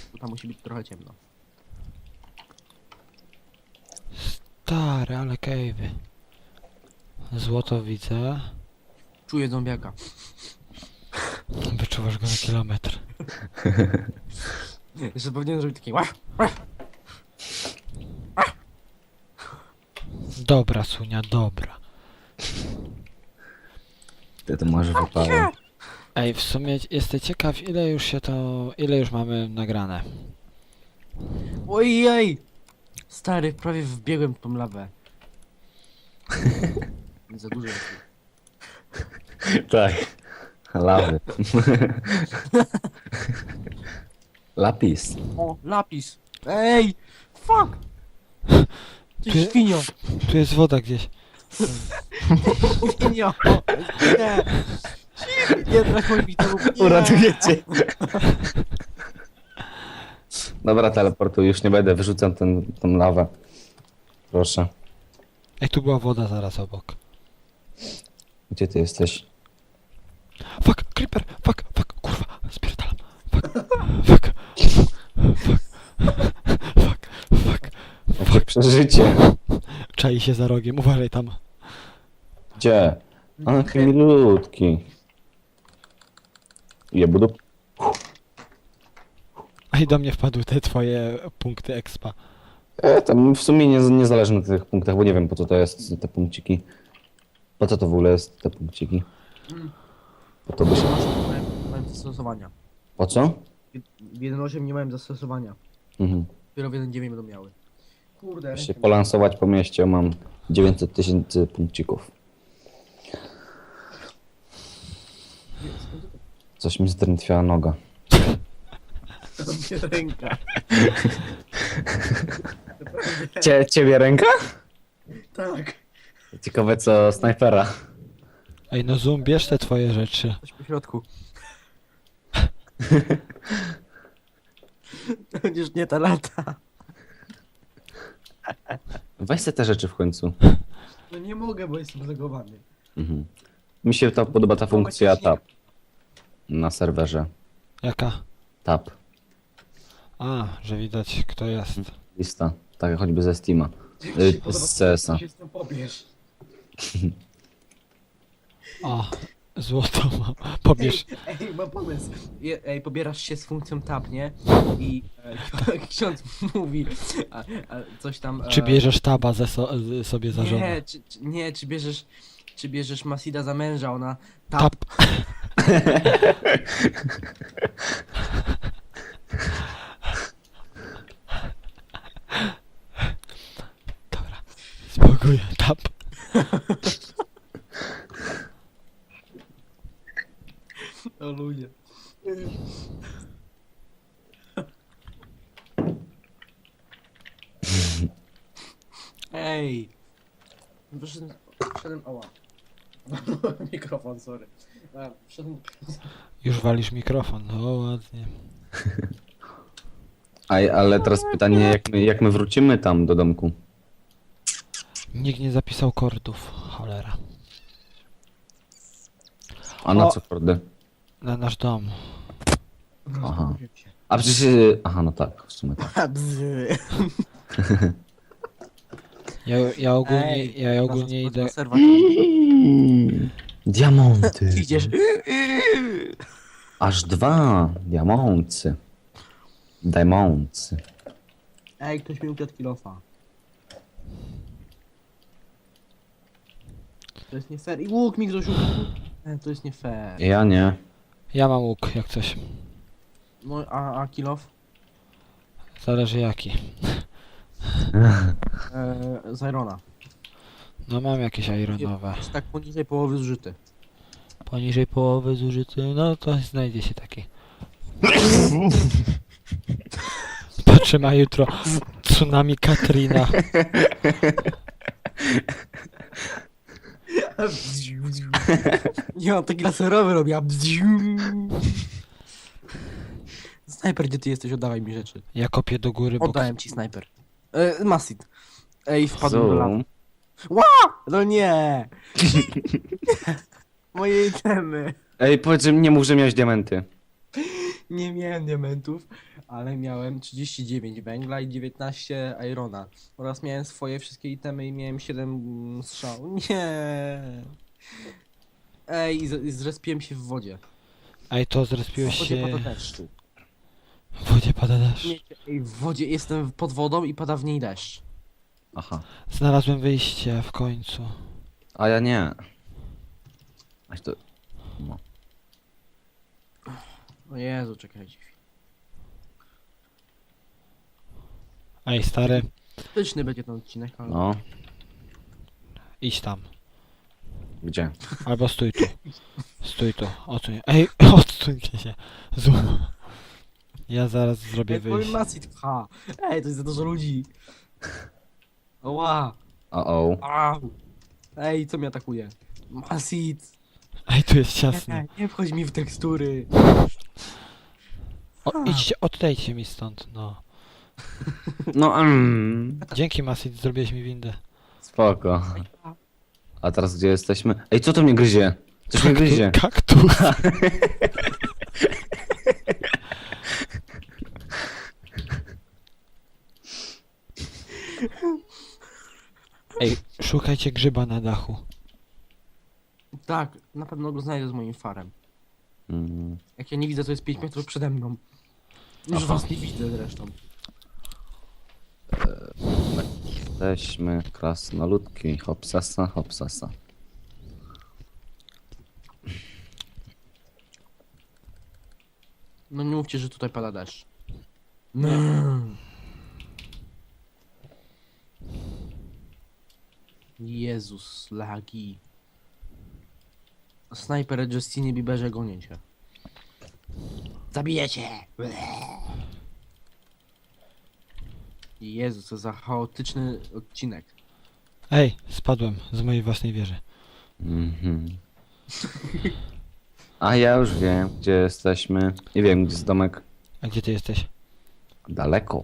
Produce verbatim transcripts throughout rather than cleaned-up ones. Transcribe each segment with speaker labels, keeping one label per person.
Speaker 1: Bo tam musi być trochę ciemno.
Speaker 2: Stary, ale cave'y. Złoto widzę.
Speaker 1: Czuję zombiaka.
Speaker 2: Wyczuwasz go na kilometr.
Speaker 1: Jeszcze powinienem zrobić taki łach, łach.
Speaker 2: Dobra, Sunia, dobra.
Speaker 3: Ty to może wypalę.
Speaker 2: Ej, w sumie jestem ciekaw, ile już się to... ile już mamy nagrane.
Speaker 1: Ojej! Stary, prawie wbiegłem w tą lawę. Za dużo jest.
Speaker 3: Tak. Lawy. Lapis.
Speaker 1: O, lapis! Ej! Fuck! Ty
Speaker 2: Ty-
Speaker 1: świnio!
Speaker 2: Tu jest woda gdzieś.
Speaker 1: Świnio! Nie! Nie trachuj mi to!
Speaker 3: Uratujecie. Dobra, teleportuj, już nie będę, wyrzucam ten, tą lawę. Proszę.
Speaker 2: Ej, tu była woda zaraz obok.
Speaker 3: Gdzie ty jesteś?
Speaker 2: Fuck, creeper, fuck, fuck, kurwa, spierdalam. Fuck, fuck, fuck, fuck, fuck.
Speaker 3: Jakie przeżycie.
Speaker 2: Czai się za rogiem, uważaj tam.
Speaker 3: Gdzie? A, jaki milutki. Je budu.
Speaker 2: Ej, do mnie wpadły te twoje punkty expa.
Speaker 3: E, tam w sumie nie, nie zależy na tych punktach, bo nie wiem po co to jest, te punkciki. Po co to w ogóle jest, te punkciki? Po to by się...
Speaker 1: Nie miałem, nie miałem zastosowania.
Speaker 3: Po co?
Speaker 1: W jeden osiem nie miałem zastosowania.
Speaker 3: Mhm.
Speaker 1: Dopiero w jeden dziewięć będą miały. Kurde,
Speaker 3: Się polansować po mieście, mam dziewięćset tysięcy punkcików. Coś mi zdrętwiała noga.
Speaker 1: To mnie ręka.
Speaker 3: Cie, ciebie ręka?
Speaker 1: Tak.
Speaker 3: Ciekawe co snajpera.
Speaker 2: Ej, no Zoom, bierz te twoje rzeczy.
Speaker 1: Coś po środku. To będziesz nie ta lata.
Speaker 3: Weź se te rzeczy w końcu.
Speaker 1: No nie mogę, bo jestem zagowany.
Speaker 3: Mhm. Mi się ta, podoba ta funkcja tab. Na serwerze.
Speaker 2: Jaka?
Speaker 3: Tab.
Speaker 2: A, że widać kto jest.
Speaker 3: Lista. Tak jak choćby ze Steama. Y, z C S a.
Speaker 1: się z nią pobierz.
Speaker 2: O, złoto mam. Pobierz.
Speaker 1: Ej, ej, mam pomysł. Je, ej, pobierasz się z funkcją tab, nie? I e, ksiądz mówi a, a, coś tam... E,
Speaker 2: Czy bierzesz taba ze so, z- sobie za żonę?
Speaker 1: Nie, czy, czy, nie, czy bierzesz... Czy bierzesz Masida za męża, ona... Tab.
Speaker 2: Tab. Dobra, spokój, tab.
Speaker 1: O ludzie. Ej. Wyszedłem... Wszedłem... Oła. Mikrofon, sorry. A, wszedłem...
Speaker 2: Już walisz mikrofon, no ładnie.
Speaker 3: Aj, ale teraz pytanie, jak my, jak my wrócimy tam do domku?
Speaker 2: Nikt nie zapisał kordów, cholera.
Speaker 3: A na
Speaker 2: O.
Speaker 3: co kordy?
Speaker 2: Na nasz dom.
Speaker 3: Aha. A przecież... y, Aha, no tak, w sumie tak.
Speaker 1: A, bzy.
Speaker 2: Ja, ja ogólnie,
Speaker 1: Ej,
Speaker 2: ja ogólnie
Speaker 1: na-
Speaker 2: idę...
Speaker 1: na serwer.
Speaker 3: Diamonty.
Speaker 1: Idziesz...
Speaker 3: Aż dwa diamonty. Diamonty.
Speaker 1: Ej, ktoś mi ukradł kilofa. To jest nie fair. I łuk mi ktoś ukradł. Ej, to jest nie fair.
Speaker 3: Ja nie.
Speaker 2: Ja mam łuk, jak coś.
Speaker 1: No, a, a kilof?
Speaker 2: Zależy jaki.
Speaker 1: Eee, z Irona.
Speaker 2: No mam jakieś ironowe.
Speaker 1: Jest tak poniżej połowy zużyty.
Speaker 2: Poniżej połowy zużyty, no to znajdzie się taki. Patrzę ma jutro tsunami Katrina.
Speaker 1: Nie, on taki laserowy robi. a Snajper, gdzie ty jesteś? Oddawaj mi rzeczy.
Speaker 2: Ja kopię do góry, bo...
Speaker 1: Oddałem ci snajper. E, Masid. Ej, wpadłem do lawy.
Speaker 3: Zoom.
Speaker 1: No nie! Moje itemy.
Speaker 3: Ej, powiedz, że nie mów, że miałeś diamenty.
Speaker 1: Nie miałem diamentów, ale miałem trzydzieści dziewięć węgla i dziewiętnaście irona. Oraz miałem swoje wszystkie itemy i miałem siedem mm, strzał. Nie. Ej, i z- i zrespiłem się w wodzie.
Speaker 2: Ej, to
Speaker 1: W
Speaker 2: zrespiłeś
Speaker 1: wodzie pada
Speaker 2: się...
Speaker 1: deszczu.
Speaker 2: W wodzie pada deszcz.
Speaker 1: Nie, ej, w wodzie jestem pod wodą i pada w niej deszcz.
Speaker 3: Aha.
Speaker 2: Znalazłem wyjście w końcu.
Speaker 3: A ja nie. Aś to... No.
Speaker 1: O Jezu, czekajcie.
Speaker 2: Ej, stary,
Speaker 1: Styczny będzie ten odcinek, ale...
Speaker 3: No.
Speaker 2: idź tam.
Speaker 3: Gdzie?
Speaker 2: Albo stój tu. Stój tu. Odsuń. Ej, odsuńcie się. Zoom. Ja zaraz zrobię
Speaker 1: Ej, powiem
Speaker 2: wyjście.
Speaker 1: Masit, ha. Ej, to jest za dużo ludzi. Oła.
Speaker 3: O o.
Speaker 1: Au. Ej, co mnie atakuje? Masit.
Speaker 2: Ej, tu jest ciasno.
Speaker 1: Nie, nie wchodź mi w tekstury.
Speaker 2: O, idźcie, odejdźcie mi stąd, no.
Speaker 3: No mm.
Speaker 2: Dzięki, Masit, zrobiłeś mi windę.
Speaker 3: Spoko. A teraz gdzie jesteśmy? Ej, co to mnie gryzie? Coś mnie gryzie.
Speaker 2: Kaktus. Ej, szukajcie grzyba na dachu.
Speaker 1: Tak, na pewno go znajdę z moim farem.
Speaker 3: Mm.
Speaker 1: Jak ja nie widzę, to jest pięć metrów przede mną. Już
Speaker 3: Aha.
Speaker 1: was nie widzę zresztą.
Speaker 3: Jesteśmy krasnoludki. Hopsasa, hopsasa.
Speaker 1: No nie mówcie, że tutaj pada deszcz. No. Jezus, lagi. Snajper Justinie Bieberze gonię cię. Zabijecie! Jezu, co za chaotyczny odcinek.
Speaker 2: Ej, spadłem z mojej własnej wieży.
Speaker 3: Mhm. A ja już wiem, gdzie jesteśmy. Nie wiem, gdzie jest domek.
Speaker 2: A gdzie ty jesteś?
Speaker 3: Daleko.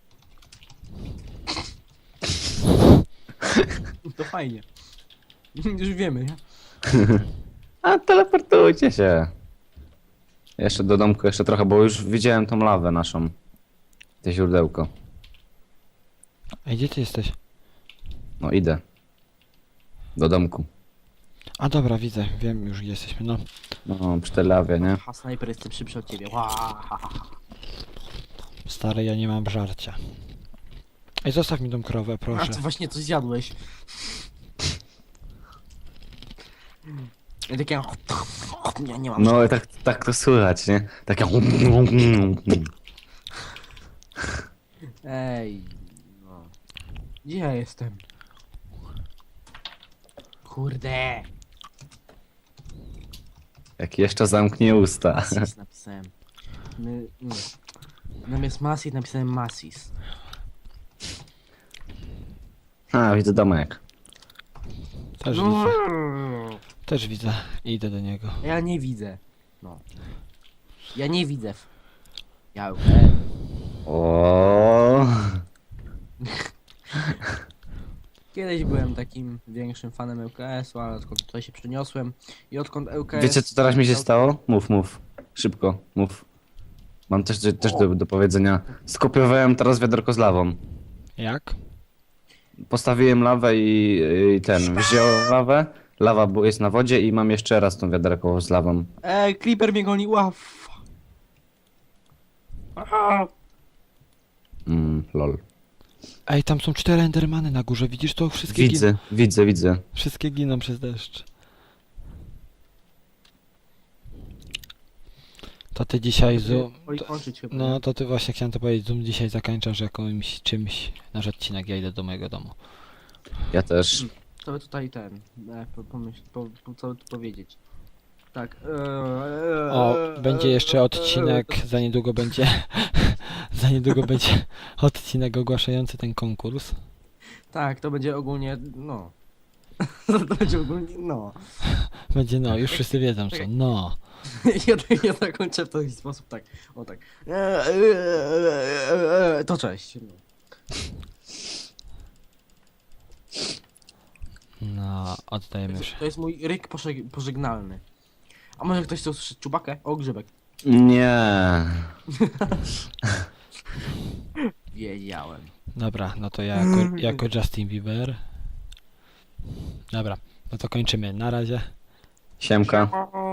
Speaker 1: To fajnie. Już wiemy, nie?
Speaker 3: A teleportujcie się. Jeszcze do domku, jeszcze trochę, bo już widziałem tą lawę naszą. Te źródełko.
Speaker 2: Ej, gdzie ty jesteś?
Speaker 3: No idę. Do domku.
Speaker 2: A dobra, widzę, wiem już gdzie jesteśmy, no.
Speaker 3: No, przy tej lawie, nie?
Speaker 1: Ha, snajper, jestem szybszy od ciebie. Ła, ha, ha.
Speaker 2: Stary, ja nie mam żarcia. Ej, zostaw mi tą krowę,
Speaker 1: A
Speaker 2: proszę.
Speaker 1: ty właśnie coś zjadłeś. I takie... Nie, nie mam
Speaker 3: No i tak, tak to słychać, nie? Takie...
Speaker 1: Ej, no. Gdzie ja jestem? Kurde.
Speaker 3: Jak jeszcze zamknie usta.
Speaker 1: Masis napisałem. My, nie. Zamiast Masis napisałem Masis.
Speaker 3: A, widzę domek.
Speaker 2: Też
Speaker 1: No.
Speaker 2: widzę, też widzę. Idę do niego.
Speaker 1: Ja nie widzę. No. Ja nie widzę. Ja... E,
Speaker 3: O.
Speaker 1: Kiedyś byłem takim większym fanem L K S-u, ale odkąd tutaj się przeniosłem i odkąd L K S...
Speaker 3: Wiecie co teraz mi się stało? Mów, mów. Szybko, mów. Mam też, też do, do powiedzenia. Skopiowałem teraz wiaderko z lawą.
Speaker 2: Jak?
Speaker 3: Postawiłem lawę i, i ten, wziąłem lawę. Lawa bu- jest na wodzie i mam jeszcze raz tą wiaderko z lawą.
Speaker 1: Ej, Creeper mnie goni, ław.
Speaker 3: Mm, lol.
Speaker 2: Ej, tam są cztery endermany na górze, widzisz to? Wszystkie
Speaker 3: Widzę, widzę, widzę.
Speaker 2: Gin- wszystkie giną przez deszcz. To ty dzisiaj zoom...
Speaker 1: Oj,
Speaker 2: To,
Speaker 1: kończyć chyba.
Speaker 2: no to ty właśnie chciałem to powiedzieć, zoom dzisiaj zakończasz jakimś czymś nasz odcinek, ja idę do mojego domu.
Speaker 3: Ja też.
Speaker 1: Co by tutaj ten, e, po, pomyśl, po, po, co by tu powiedzieć? Tak. E,
Speaker 2: O,
Speaker 1: e,
Speaker 2: będzie jeszcze odcinek, za niedługo będzie... za niedługo będzie odcinek ogłaszający ten konkurs.
Speaker 1: Tak, to będzie ogólnie, no. To będzie ogólnie, no.
Speaker 2: Będzie no, już wszyscy wiedzą co,
Speaker 1: Czekaj.
Speaker 2: no.
Speaker 1: Ja, ja zakończę w taki sposób, tak. O tak. E, e, e, e, e, To cześć. No.
Speaker 2: No, oddajemy
Speaker 1: To
Speaker 2: już.
Speaker 1: jest- To jest mój ryk pożeg- pożegnalny. A może ktoś chce usłyszeć czubakę? O, grzybek.
Speaker 3: Nie.
Speaker 1: Wiedziałem.
Speaker 2: Dobra, no to ja jako, jako Justin Bieber. Dobra, no to kończymy. Na razie.
Speaker 3: Siemka.